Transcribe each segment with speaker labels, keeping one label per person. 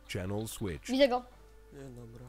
Speaker 1: Channel switch.
Speaker 2: Widzę go.
Speaker 3: Nie, dobra.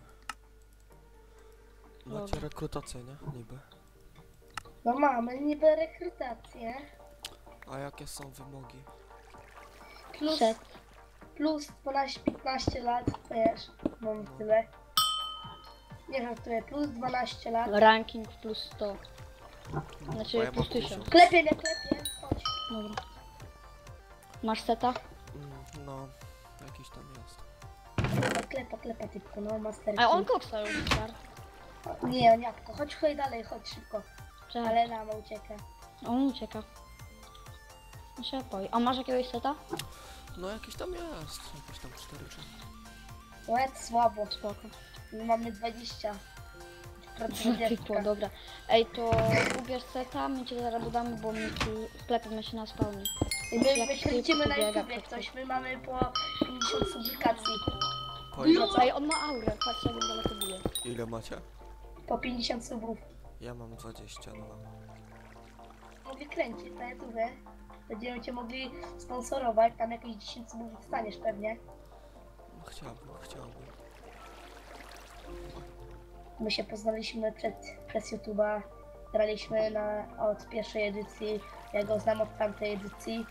Speaker 3: Macie rekrutację, nie? Niby.
Speaker 4: No mamy niby rekrutację.
Speaker 3: A jakie są wymogi?
Speaker 4: Plus,
Speaker 2: Set.
Speaker 4: plus 12-15 lat, wiesz, mam tyle. Nie żartuję, plus 12 lat.
Speaker 2: Ranking plus 100.
Speaker 3: Bo
Speaker 2: Znaczy
Speaker 3: ja
Speaker 2: plus
Speaker 3: mam
Speaker 2: 1000.
Speaker 4: Klepie, nie klepie, chodź.
Speaker 2: Dobra. Masz seta?
Speaker 3: No, jakiś tam jest.
Speaker 4: Klepa typko, no master.
Speaker 2: A on koksa już start.
Speaker 4: Nie, on jabłko, chodź chodź dalej, chodź szybko.
Speaker 2: Czemu?
Speaker 4: Ale nama ucieka.
Speaker 2: On ucieka. No się boi. A masz jakiegoś seta?
Speaker 3: No jakiś tam jest. Jakieś tam 4 czy...
Speaker 4: Łeb słabo,
Speaker 2: Spoko.
Speaker 4: my mamy 20.
Speaker 2: Typu, dobra. Ej, to ubierz seta, my cię zaraz dodamy, bo my tu sklepimy się na spawnie.
Speaker 4: I
Speaker 2: Znaczy,
Speaker 4: my
Speaker 2: jak
Speaker 4: kręcimy
Speaker 2: ty
Speaker 4: na
Speaker 2: pobiega
Speaker 4: YouTube jak
Speaker 2: przed
Speaker 4: coś, my mamy po 50 publikacji.
Speaker 3: Po ile?
Speaker 2: Ej, on ma aurę, patrz jak on daleko bije.
Speaker 3: Ile macie?
Speaker 4: Po 50 subów.
Speaker 3: Ja mam 22.
Speaker 4: Mogli kręcić na YouTube. Będziemy cię mogli sponsorować, tam jakieś 10 subów dostaniesz pewnie.
Speaker 3: No, chciałbym.
Speaker 4: My się poznaliśmy przez YouTube'a. Graliśmy od pierwszej edycji. Ja go znam od tamtej edycji.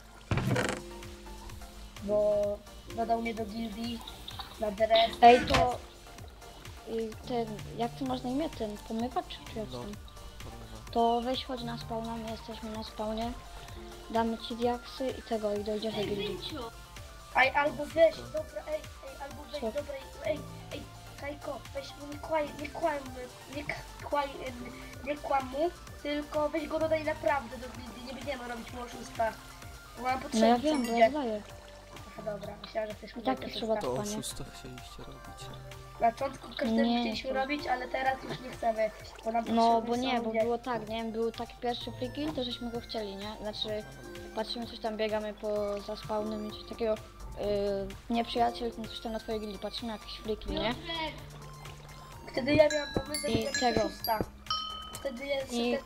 Speaker 4: Bo dodał mnie do gildii na DRS.
Speaker 2: Ej, to... ten, jak ty masz na imię? Ten pomywacz czy jak
Speaker 3: No.
Speaker 2: tam?
Speaker 3: Porówno.
Speaker 2: To weź chodź na spawna, my jesteśmy na spawnie. Damy ci diaksy i tego, i dojdziesz do gildii.
Speaker 4: Ej, albo weź, dobra, albo weź,
Speaker 2: Co?
Speaker 4: dobra, Kajko, weź mu nie kłam mu, tylko weź go dodaj naprawdę do gildii, nie będziemy robić mu oszustwa. Bo mam
Speaker 2: No
Speaker 4: potrzebę,
Speaker 2: ja wiem, bo ja daję.
Speaker 4: Aha, dobra, myślałam, że chcesz mi
Speaker 2: I tak
Speaker 4: dać
Speaker 2: to trzeba
Speaker 4: oszusta.
Speaker 3: To
Speaker 2: Panie.
Speaker 3: oszusta chcieliście robić.
Speaker 4: Na początku każdemu
Speaker 2: Nie,
Speaker 4: chcieliśmy
Speaker 2: to-
Speaker 4: robić, ale teraz już nie chcemy, bo nam
Speaker 2: No,
Speaker 4: potrzebni
Speaker 2: bo
Speaker 4: są
Speaker 2: nie, bo
Speaker 4: ludzie.
Speaker 2: było tak, nie? Był taki pierwszy free kill, to żeśmy go chcieli, nie? Znaczy, patrzymy coś tam, biegamy za spawnem i coś takiego. Nieprzyjaciel, coś tam na twojej gildii, patrzymy jakiś free kill, nie?
Speaker 4: Wtedy ja miałam pomysł,
Speaker 2: I
Speaker 4: żeby zrobić
Speaker 2: tego.
Speaker 4: oszusta. Wtedy jest...
Speaker 2: I-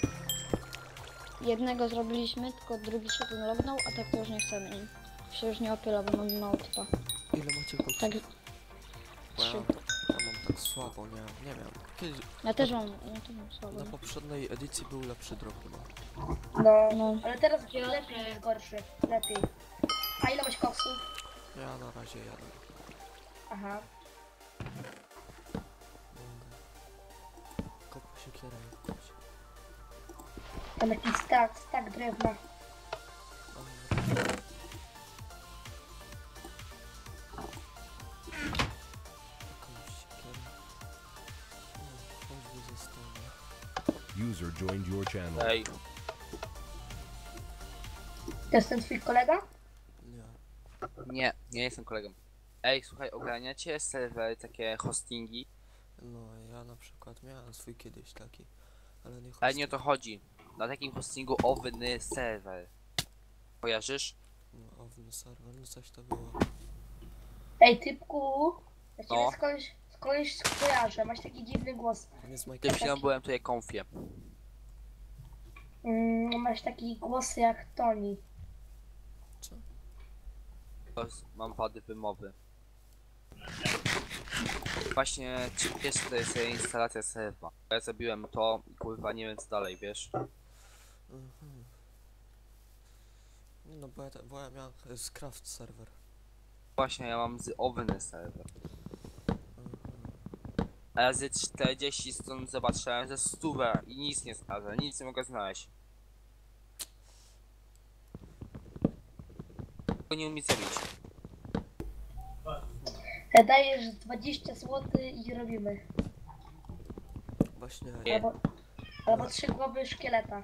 Speaker 2: Jednego zrobiliśmy, tylko drugi się ten lognął, a tak to już nie chcemy. I się już nie opyla, bo mamy mało typa.
Speaker 3: Ile macie koksów?
Speaker 2: Tak,
Speaker 3: Bo ja
Speaker 2: 3.
Speaker 3: mam tak słabo, nie wiem. Kiedyś,
Speaker 2: Ja też mam słabo.
Speaker 3: na poprzedniej edycji był lepszy drop chyba.
Speaker 4: No,
Speaker 2: No.
Speaker 4: ale teraz lepiej jest gorszy, lepiej. A ile masz koksów?
Speaker 3: Ja na razie jadę.
Speaker 4: Aha.
Speaker 3: Kopu się kieruję.
Speaker 4: Tam jakiś stak drewna.
Speaker 1: User joined your channel.
Speaker 5: Ej,
Speaker 4: To jest ten twój kolega?
Speaker 3: Nie.
Speaker 5: nie jestem kolegą. Ej, słuchaj, ogarniacie serwery, takie hostingi?
Speaker 3: No ja na przykład miałem swój kiedyś taki, ale nie
Speaker 5: Ale nie o to chodzi. Na takim hostingu owny serwer. Kojarzysz?
Speaker 3: No, Owny serwer, no coś to było.
Speaker 4: Ej, typku, ja ciebie
Speaker 5: No.
Speaker 4: skądś kojarzę, masz taki dziwny głos.
Speaker 3: Nie z
Speaker 5: Tym
Speaker 3: Minecrafta.
Speaker 5: chwilą byłem tutaj konfie.
Speaker 4: Masz taki głos jak Tony.
Speaker 3: Co?
Speaker 5: Mam wady wymowy. Właśnie jest to jest instalacja serwa. Ja zrobiłem to i kurwa nie wiem co dalej, wiesz?
Speaker 3: Mhm. No bo ja miałem Craft serwer.
Speaker 5: Właśnie ja mam z owny serwer.
Speaker 3: Mhm.
Speaker 5: A ja z 40 stron zobaczyłem ze 100 i nic nie znalazłem, nic nie mogę znaleźć. Tylko nie umiem zrobić.
Speaker 4: Dajesz 20 zł i robimy.
Speaker 3: Właśnie
Speaker 5: Nie.
Speaker 4: Albo 3 głowy szkieleta.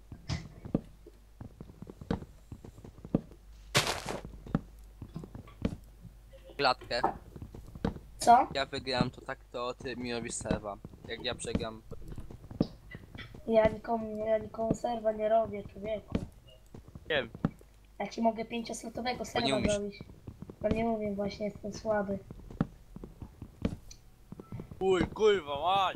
Speaker 5: Klatkę.
Speaker 4: Co?
Speaker 5: Ja wygram to tak, to ty mi robisz serwa. Jak ja przegram.
Speaker 4: Ja nikomu serwa nie robię, człowieku.
Speaker 5: Wiem.
Speaker 4: Ja ci mogę 5-slotowego serwa
Speaker 5: umiesz.
Speaker 4: zrobić. No nie mówię, właśnie jestem słaby.
Speaker 5: Kurwa, mać!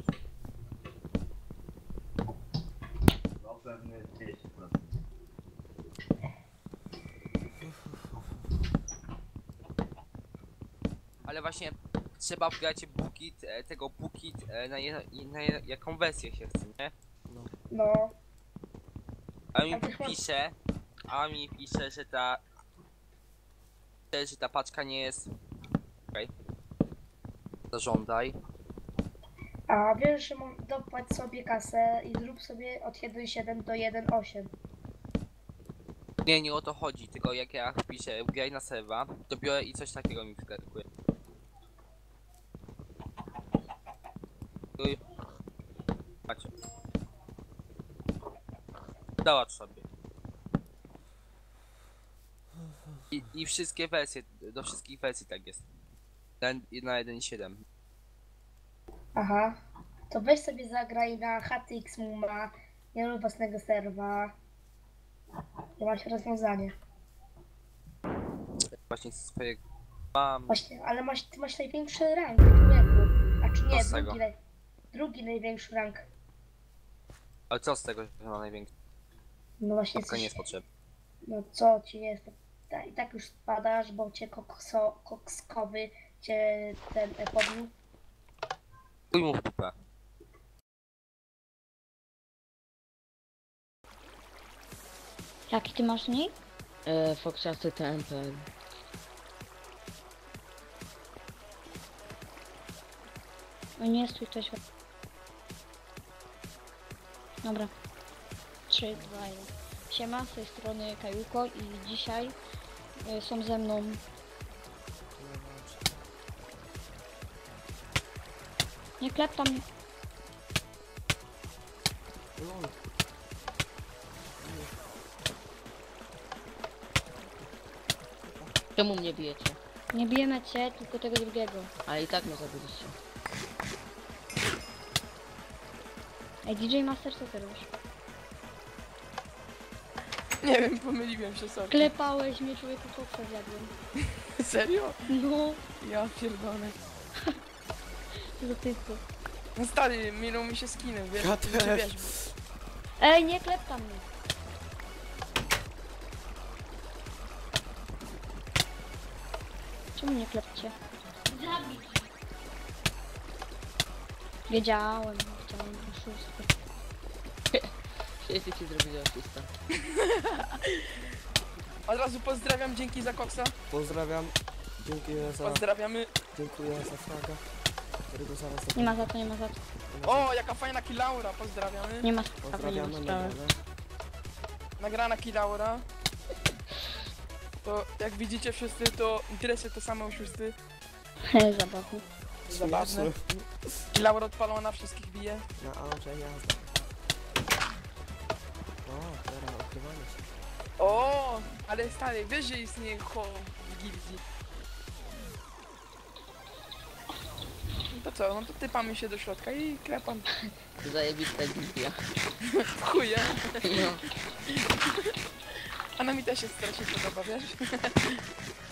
Speaker 5: Ale ale właśnie trzeba wgrać Bukit, tego Bukit, na jaką wersję się chce, nie?
Speaker 3: No.
Speaker 4: No,
Speaker 5: A mi
Speaker 4: A też mam-
Speaker 5: pisze, że ta paczka nie jest... Okej. Zażądaj.
Speaker 4: a wiesz, że dopłać sobie kasę i zrób sobie od 1.7 do 1.8.
Speaker 5: Nie, nie o to chodzi, tylko jak ja wpiszę graj na serwa, to biorę i coś takiego mi wskakuje. Uj. Macie. Załatw sobie. I wszystkie wersje, do wszystkich wersji tak jest. Na 1.7.
Speaker 4: Aha. To weź sobie zagraj na HTX Muma, nie rób własnego serwa. I masz rozwiązanie.
Speaker 5: Właśnie swojego mam.
Speaker 4: Właśnie, ale ty masz największy rank, człowieku. A czy
Speaker 5: Co
Speaker 4: nie,
Speaker 5: z tego?
Speaker 4: drugi największy rank.
Speaker 5: Ale co z tego, że ma największy?
Speaker 4: No właśnie,
Speaker 5: To nie jest potrzebne.
Speaker 4: no co ci jest? I tak już spadasz, bo cię kokskowy cię ten pobił.
Speaker 5: Chuj mu w dupę.
Speaker 2: Jaki ty masz nick?
Speaker 1: Foxiaty TMPL.
Speaker 2: No nie stój to świat. Dobra. 3, 2, 1. Siema, z tej strony Kajuko i dzisiaj są ze mną nie klep tam.
Speaker 3: Lol.
Speaker 1: Czemu mnie bijecie?
Speaker 2: Nie bijemy cię, tylko tego drugiego.
Speaker 1: Ale i tak mnie zabiliście.
Speaker 2: Ej, DJ Master, co ty robisz?
Speaker 6: Nie wiem, pomyliłem się sobie.
Speaker 2: Klepałeś mnie, człowieku, koksa zjadłem.
Speaker 6: Serio?
Speaker 2: No,
Speaker 6: Ja pierdolę.
Speaker 2: co za typu.
Speaker 6: No stary, minął mi się skinem, wiesz?
Speaker 3: Ja
Speaker 6: Czy
Speaker 3: też.
Speaker 6: wiesz,
Speaker 2: Ej, nie klep tam mnie. Czemu nie klepcie? Wiedziałem, chciałem oszustwo.
Speaker 1: Wszyscy ci zrobili oszusta.
Speaker 6: Od razu pozdrawiam, dzięki za koksa.
Speaker 3: Pozdrawiam. Dziękuję za,
Speaker 6: Pozdrawiamy.
Speaker 3: dziękuję za fraga, którego zaraz
Speaker 2: Nie ma za to, nie ma za to.
Speaker 6: O, jaka fajna kilaura, pozdrawiamy.
Speaker 2: Nie ma.
Speaker 3: Pozdrawiam na
Speaker 1: sprawy.
Speaker 3: nagrane.
Speaker 6: Nagrana kilaura. To jak widzicie wszyscy, to interesy to same oszusty.
Speaker 2: Zabachu.
Speaker 6: Zabawne. Kilaura odpalona, wszystkich bije.
Speaker 3: Na Aurze jazda. O, teraz ukrywanie się.
Speaker 6: O, ale stary, wiesz, że istnieje ho w gildii. No to co, no to typamy się do środka i klepam.
Speaker 1: Zajebista gildia.
Speaker 6: W chuje.
Speaker 1: No.
Speaker 6: A na mi też się strasznie podoba, wiesz?